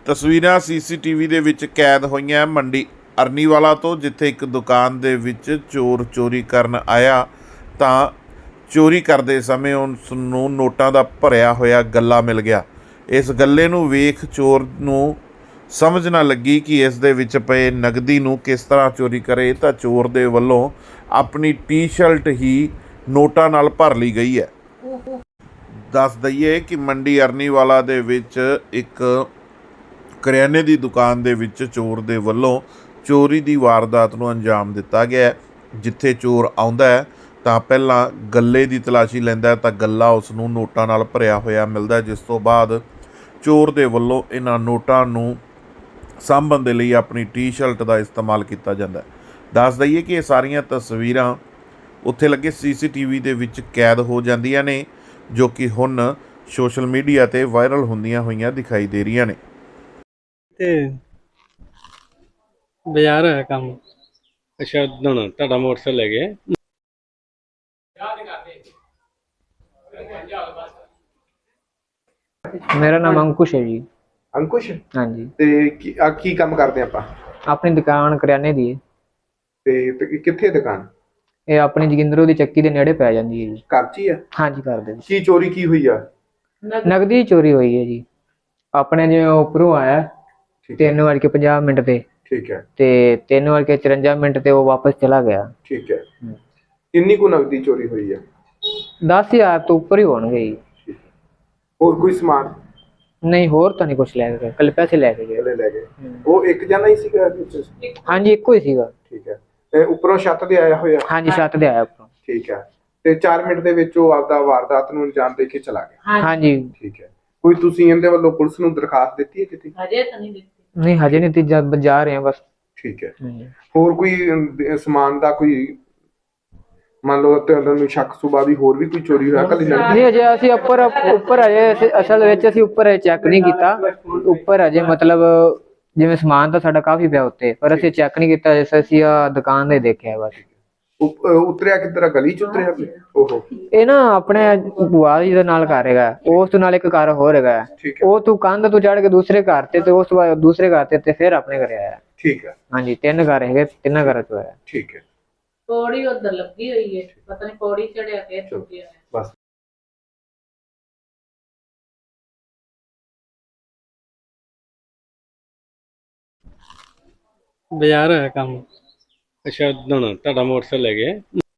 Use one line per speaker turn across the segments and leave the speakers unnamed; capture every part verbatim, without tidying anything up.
ਤਸਵੀਰਾਂ ਸੀਸੀਟੀਵੀ ਦੇ ਵਿੱਚ ਕੈਦ ਹੋਈਆਂ ਮੰਡੀ ਅਰਨੀਵਾਲਾ ਤੋਂ, ਜਿੱਥੇ ਇੱਕ ਦੁਕਾਨ ਦੇ ਵਿੱਚ ਚੋਰ ਚੋਰੀ ਕਰਨ ਆਇਆ ਤਾਂ ਚੋਰੀ ਕਰਦੇ ਸਮੇਂ ਉਸ ਨੂੰ ਨੋਟਾਂ ਦਾ ਭਰਿਆ ਹੋਇਆ ਗੱਲਾ ਮਿਲ ਗਿਆ। ਇਸ ਗੱਲੇ ਨੂੰ ਵੇਖ ਚੋਰ ਨੂੰ ਸਮਝ ਨਾ ਲੱਗੀ ਕਿ ਇਸ ਦੇ ਵਿੱਚ ਪਏ ਨਗਦੀ ਨੂੰ ਕਿਸ ਤਰ੍ਹਾਂ ਚੋਰੀ ਕਰੇ, ਤਾਂ ਚੋਰ ਦੇ ਵੱਲੋਂ ਆਪਣੀ ਟੀ-ਸ਼ਰਟ ਹੀ ਨੋਟਾਂ ਨਾਲ ਭਰ ਲਈ ਗਈ ਹੈ। ਦੱਸ ਦਈਏ ਕਿ ਮੰਡੀ ਅਰਨੀਵਾਲਾ ਦੇ ਵਿੱਚ ਇੱਕ ਕਰਿਆਨੇ ਦੀ ਦੁਕਾਨ ਦੇ ਵਿੱਚ ਚੋਰ ਦੇ ਵੱਲੋਂ ਚੋਰੀ ਦੀ ਵਾਰਦਾਤ ਨੂੰ ਅੰਜਾਮ ਦਿੱਤਾ ਗਿਆ ਹੈ। ਜਿੱਥੇ ਚੋਰ ਆਉਂਦਾ ਹੈ ਤਾਂ ਪਹਿਲਾਂ ਗੱਲੇ ਦੀ ਤਲਾਸ਼ੀ ਲੈਂਦਾ ਹੈ ਤਾਂ ਗੱਲਾ ਉਸ ਨੂੰ ਨੋਟਾਂ ਨਾਲ ਭਰਿਆ ਹੋਇਆ ਮਿਲਦਾ, ਜਿਸ ਤੋਂ ਬਾਅਦ ਚੋਰ ਦੇ ਵੱਲੋਂ ਇਹਨਾਂ ਨੋਟਾਂ ਨੂੰ ਸਾਂਭਣ ਦੇ ਲਈ ਆਪਣੀ ਟੀ-ਸ਼ਰਟ ਦਾ ਇਸਤੇਮਾਲ ਕੀਤਾ ਜਾਂਦਾ ਹੈ। ਦੱਸ ਦਈਏ ਕਿ ਇਹ ਸਾਰੀਆਂ ਤਸਵੀਰਾਂ ਉੱਥੇ ਲੱਗੇ ਸੀਸੀਟੀਵੀ ਦੇ ਵਿੱਚ ਕੈਦ ਹੋ ਜਾਂਦੀਆਂ ਨੇ, ਜੋ ਕਿ ਹੁਣ ਸੋਸ਼ਲ ਮੀਡੀਆ 'ਤੇ ਵਾਇਰਲ ਹੁੰਦੀਆਂ ਹੋਈਆਂ ਦਿਖਾਈ ਦੇ ਰਹੀਆਂ ਨੇ।
ਤੇ ਬਾਜ਼ਾਰ ਹੈ ਕੰਮ। ਅੱਛਾ, ਹੁਣ ਤੁਹਾਡਾ ਮੋਟਰਸਾਈਕਲ ਲੈ ਗਏ।
मेरा नाम अंकुश है जी।
अंकुश
हाँ जी।
ਤੇ ਕੀ ਆ ਕੀ ਕੰਮ ਕਰਦੇ ਆਪਾਂ?
अपनी दुकान करियाने दी है।
ਤੇ ਤੇ ਕਿੱਥੇ ਦੁਕਾਨ?
ਇਹ ਆਪਣੀ ਜੋਗਿੰਦਰੋਂ ਦੀ ਚੱਕੀ ਦੇ ਨੇੜੇ ਪੈ ਜਾਂਦੀ ਹੈ ਜੀ।
ਘਰ 'ਚ ਹੀ ਆ?
हाँ जी, कर दे।
ਕੀ ਚੋਰੀ ਕੀ ਹੋਈ ਆ?
ਨਗਦੀ ਚੋਰੀ ਹੋਈ ਹੈ ਜੀ। ਆਪਣੇ ਜਿਵੇਂ ਉੱਪਰੋਂ ਆਇਆ
ਠੀਕ ਹੈ
ਤਿੰਨ ਵੱਜ ਕੇ ਪੰਜਾਹ ਮਿੰਟ ਤੇ
ਠੀਕ ਹੈ
ਤੇ ਤਿੰਨ ਵੱਜ ਕੇ ਚੁਰੰਜਾ ਮਿੰਟ ਤੇ ਉਹ ਵਾਪਸ ਚਲਾ ਗਿਆ।
ਠੀਕ ਹੈ। ਕਿੰਨੀ ਕੁ ਨਗਦੀ ਚੋਰੀ ਹੋਈ ਆ?
ਦਸ ਹਜ਼ਾਰ ਤੋਂ ਉੱਪਰ ਹੀ ਹੋਣਗੇ ਜੀ।
ਠੀਕ ਹੈ। ਹੋਰ ਕੋਈ ਸਮਾਨ
ਨਹੀਂ, ਹੋਰ ਤਾਂ ਨਹੀਂ ਕੁਛ ਲੈ ਕੇ ਗਏ, ਕੱਲ ਪੈਸੇ ਲੈ ਕੇ ਗਏ।
ਲੈ ਲੈ ਗਏ? ਉਹ ਇੱਕ ਜਣਾ ਹੀ ਸੀਗਾ ਵਿੱਚ?
ਹਾਂਜੀ, ਇੱਕੋ ਹੀ ਸੀਗਾ।
ਠੀਕ ਹੈ। ਤੇ ਉੱਪਰੋਂ ਛੱਤ ਤੇ ਆਇਆ ਹੋਇਆ?
ਹਾਂਜੀ, ਛੱਤ ਦੇ ਆਇਆ ਉੱਪਰੋਂ।
ਠੀਕ ਹੈ। ਤੇ ਚਾਰ ਮਿੰਟ ਦੇ ਵਿੱਚ ਉਹ ਆਪਦਾ ਵਾਰਦਾਤ ਨੂੰ ਅੰਜਾਮ ਦੇ ਕੇ ਚਲਾ ਗਿਆ?
ਹਾਂਜੀ।
ਠੀਕ ਹੈ। ਕੋਈ ਤੁਸੀਂ ਇਹਦੇ ਵੱਲੋਂ ਪੁਲਿਸ ਨੂੰ ਦਰਖਾਸਤ ਦਿੱਤੀ ਹੈ ਕਿਤੇ?
ਹਜੇ ਤਾਂ ਨਹੀਂ ਦਿੱਤੀ।
ਨਹੀਂ, ਹਜੇ ਨਹੀਂ, ਤੀਜਾ ਜਾ ਰਹੇ ਹਾਂ ਬਸ।
ਠੀਕ ਹੈ।
ਹਾਂਜੀ।
ਹੋਰ ਕੋਈ ਅਮ, ਸਮਾਨ ਦਾ ਕੋਈ ਮੰਨ ਲਓ ਤੁਹਾਨੂੰ ਸ਼ੱਕ ਸੁਭਾ ਵੀ ਹੋਰ ਵੀ ਕੋਈ ਚੋਰੀ ਹੋਇਆ ਕੱਲ?
ਨਹੀਂ, ਅਜੇ ਅਸੀਂ ਉੱਪਰ ਉੱਪਰ ਅਜੇ ਅਸੀਂ- ਅਸਲ ਵਿੱਚ ਅਸੀਂ ਉੱਪਰ ਚੈੱਕ ਨਹੀਂ ਕੀਤਾ। ਉੱਪਰ ਅਜੇ ਮਤਲਬ ਜਿਵੇਂ ਸਮਾਨ ਤਾਂ ਸਾਡਾ ਕਾਫੀ ਪਿਆ ਉੱਤੇ, ਪਰ ਅਸੀਂ ਚੈੱਕ ਨਹੀਂ ਕੀਤਾ। ਜਿਸ ਅਸੀਂ ਆ ਦੁਕਾਨ ਦੇ ਦੇਖਿਆ ਬਸ।
ਉਪ- ਉਤਰਿਆ ਕਿੱਧਰ? ਗਲੀ ਚ ਉਤਰਿਆ? ਓਹੋ।
ਇਹ ਨਾ ਆਪਣੇ ਭੂਆ ਜੀ ਦੇ ਨਾਲ ਘਰ ਹੈਗਾ, ਉਸ ਤੋਂ ਨਾਲ ਇੱਕ ਘਰ ਹੋਰ ਹੈਗਾ।
ਠੀਕ ਹੈ।
ਉਹ ਤੂੰ ਕੰਧ ਤੋਂ ਚੜ ਕੇ ਦੂਸਰੇ ਘਰ ਤੇ ਤੇ ਉਸ ਤੋਂ ਬਾਅਦ ਦੂਸਰੇ ਘਰ ਤੇ ਤੇ ਫਿਰ ਆਪਣੇ ਘਰੇ ਆਇਆ।
ਠੀਕ ਹੈ।
ਹਾਂਜੀ, ਤਿੰਨ ਘਰ ਹੈਗੇ, ਤਿੰਨਾਂ ਘਰਾਂ ਤੋਂ ਆਇਆ।
ਠੀਕ ਹੈ।
ਪੌੜੀ ਉਧਰ ਲੱਗੀ ਹੋਈ ਹੈ, ਪਤਾ ਨਹੀਂ ਪੌੜੀ ਚੜਿਆ ਕੇ ਚੁੱਕਿਆ ਹੈ।
ਬਸ।
ਬਾਜ਼ਾਰ ਹੈ ਕੰਮ। ਅੱਛਾ, ਹੁਣ ਤੁਹਾਡਾ ਮੋਟਰਸਾਈਕਲ ਲੈ ਗਏ।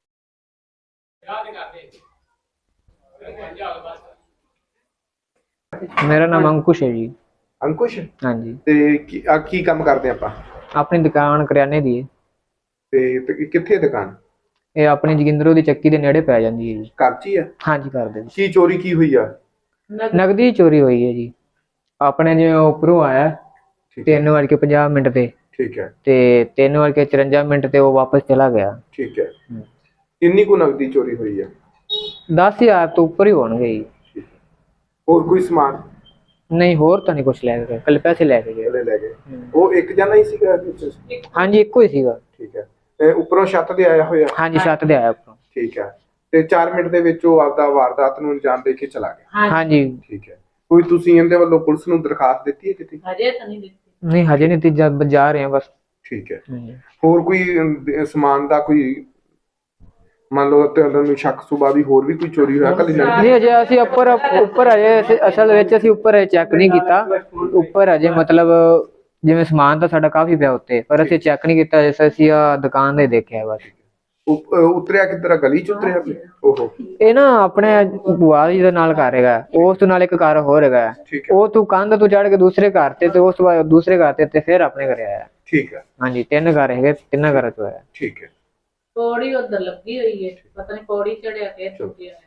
ਮੇਰਾ ਨਾਮ ਅੰकुश है जी।
ਅੰकुश
हाँ जी।
ਤੇ ਕੀ ਆ ਕੀ ਕੰਮ ਕਰਦੇ ਆਪਾਂ?
अपनी दुकान करियाने दी है।
ਤੇ ਤੇ ਕਿੱਥੇ ਦੁਕਾਨ?
ਇਹ ਆਪਣੀ ਜੋਗਿੰਦਰੋਂ ਦੀ ਚੱਕੀ ਦੇ ਨੇੜੇ ਪੈ ਜਾਂਦੀ ਹੈ ਜੀ।
ਘਰ 'ਚ ਹੀ ਆ?
ਹਾਂਜੀ, ਕਰ ਦੇ।
ਕੀ ਚੋਰੀ ਕੀ ਹੋਈ ਆ?
ਨਗਦੀ ਚੋਰੀ ਹੋਈ ਹੈ ਜੀ। ਆਪਣੇ ਜਿਵੇਂ ਉੱਪਰੋਂ ਆਇਆ
ਠੀਕ ਹੈ।
ਤਿੰਨ ਵੱਜ ਕੇ ਪੰਜਾਹ ਮਿੰਟ ਤੇ
ਠੀਕ ਹੈ।
ਤੇ ਤਿੰਨ ਵੱਜ ਕੇ ਚੁਰੰਜਾ ਮਿੰਟ ਤੇ ਉਹ ਵਾਪਸ ਚਲਾ ਗਿਆ।
ਠੀਕ ਹੈ। ਕਿੰਨੀ ਕੁ ਨਗਦੀ ਚੋਰੀ ਹੋਈ ਆ?
ਦਸ ਹਜ਼ਾਰ ਤੋਂ ਉੱਪਰ ਹੀ ਹੋਣਗੇ ਜੀ।
ਠੀਕ ਹੈ। ਹੋਰ ਕੋਈ ਸਮਾਨ?
ਨਹੀਂ, ਹੋਰ ਤਾਂ ਨਹੀਂ ਕੁਛ ਲੈ ਕੇ ਗਏ, ਕੱਲ ਪੈਸੇ ਲੈ ਕੇ ਗਏ।
ਲੈ ਲੈ ਗਏ? ਉਹ ਇੱਕ ਜਣਾ ਹੀ ਸੀਗਾ ਵਿੱਚ?
ਹਾਂਜੀ, ਇੱਕੋ ਹੀ ਸੀਗਾ।
ਠੀਕ ਹੈ। ਤੇ ਉੱਪਰੋਂ ਛੱਤ ਤੇ ਆਇਆ ਹੋਇਆ?
ਹਾਂਜੀ, ਛੱਤ ਦੇ ਆਇਆ ਉੱਪਰੋਂ।
ਠੀਕ ਹੈ। ਤੇ ਚਾਰ ਮਿੰਟ ਦੇ ਵਿੱਚ ਉਹ ਆਪਦਾ ਵਾਰਦਾਤ ਨੂੰ ਅੰਜਾਮ ਦੇ ਕੇ ਚਲਾ ਗਿਆ?
ਹਾਂਜੀ।
ਠੀਕ ਹੈ। ਕੋਈ ਤੁਸੀਂ ਇਹਦੇ ਵੱਲੋਂ ਪੁਲਿਸ ਨੂੰ ਦਰਖਾਸਤ ਦਿੱਤੀ ਹੈ ਕਿਤੇ?
ਹਜੇ ਤਾਂ ਨਹੀਂ ਦਿੱਤੀ।
ਨਹੀਂ, ਹਜੇ ਨਹੀਂ, ਤੀਜਾ ਜਾ ਰਹੇ ਹਾਂ ਬਸ।
ਠੀਕ ਹੈ।
ਹਾਂਜੀ।
ਹੋਰ ਕੋਈ ਅਮ, ਸਮਾਨ ਦਾ ਕੋਈ ਮੰਨ ਲਓ ਤੁਹਾਨੂੰ ਸ਼ੱਕ ਸੁਭਾ ਵੀ ਹੋਰ ਵੀ ਕੋਈ ਚੋਰੀ ਹੋਇਆ ਕੱਲ?
ਨਹੀਂ, ਅਜੇ ਅਸੀਂ ਉੱਪਰ ਉੱਪਰ ਅਜੇ ਅਸੀਂ- ਅਸਲ ਵਿੱਚ ਅਸੀਂ ਉੱਪਰ ਚੈੱਕ ਨਹੀਂ ਕੀਤਾ। ਉੱਪਰ ਅਜੇ ਮਤਲਬ ਜਿਵੇਂ ਸਮਾਨ ਤਾਂ ਸਾਡਾ ਕਾਫੀ ਪਿਆ ਉੱਤੇ, ਪਰ ਅਸੀਂ ਚੈੱਕ ਨਹੀਂ ਕੀਤਾ। ਜਿਸ ਅਸੀਂ ਆ ਦੁਕਾਨ ਦੇ ਦੇਖਿਆ ਬਸ।
ਉਪ- ਉਤਰਿਆ ਕਿੱਧਰ? ਗਲੀ ਚ ਉਤਰਿਆ? ਓਹੋ।
ਇਹ ਨਾ ਆਪਣੇ ਭੂਆ ਜੀ ਦੇ ਨਾਲ ਘਰ ਹੈਗਾ, ਉਸ ਤੋਂ ਨਾਲ ਇੱਕ ਘਰ ਹੋਰ ਹੈਗਾ।
ਠੀਕ ਹੈ।
ਉਹ ਤੂੰ ਕੰਧ ਤੋਂ ਚੜ ਕੇ ਦੂਸਰੇ ਘਰ ਤੇ ਤੇ ਉਸ ਤੋਂ ਬਾਅਦ ਦੂਸਰੇ ਘਰ ਤੇ ਤੇ ਫਿਰ ਆਪਣੇ ਘਰੇ ਆਇਆ।
ਠੀਕ ਹੈ।
ਹਾਂਜੀ, ਤਿੰਨ ਘਰ ਹੈਗੇ, ਤਿੰਨਾਂ ਘਰਾਂ ਤੋਂ ਆਇਆ।
ਠੀਕ ਹੈ।
ਪੌੜੀ ਉਧਰ ਲੱਗੀ ਹੋਈ ਹੈ, ਪਤਾ ਨਹੀਂ ਪੌੜੀ ਚੜਿਆ ਕੇ ਚੁੱਕਿਆ ਹੈ।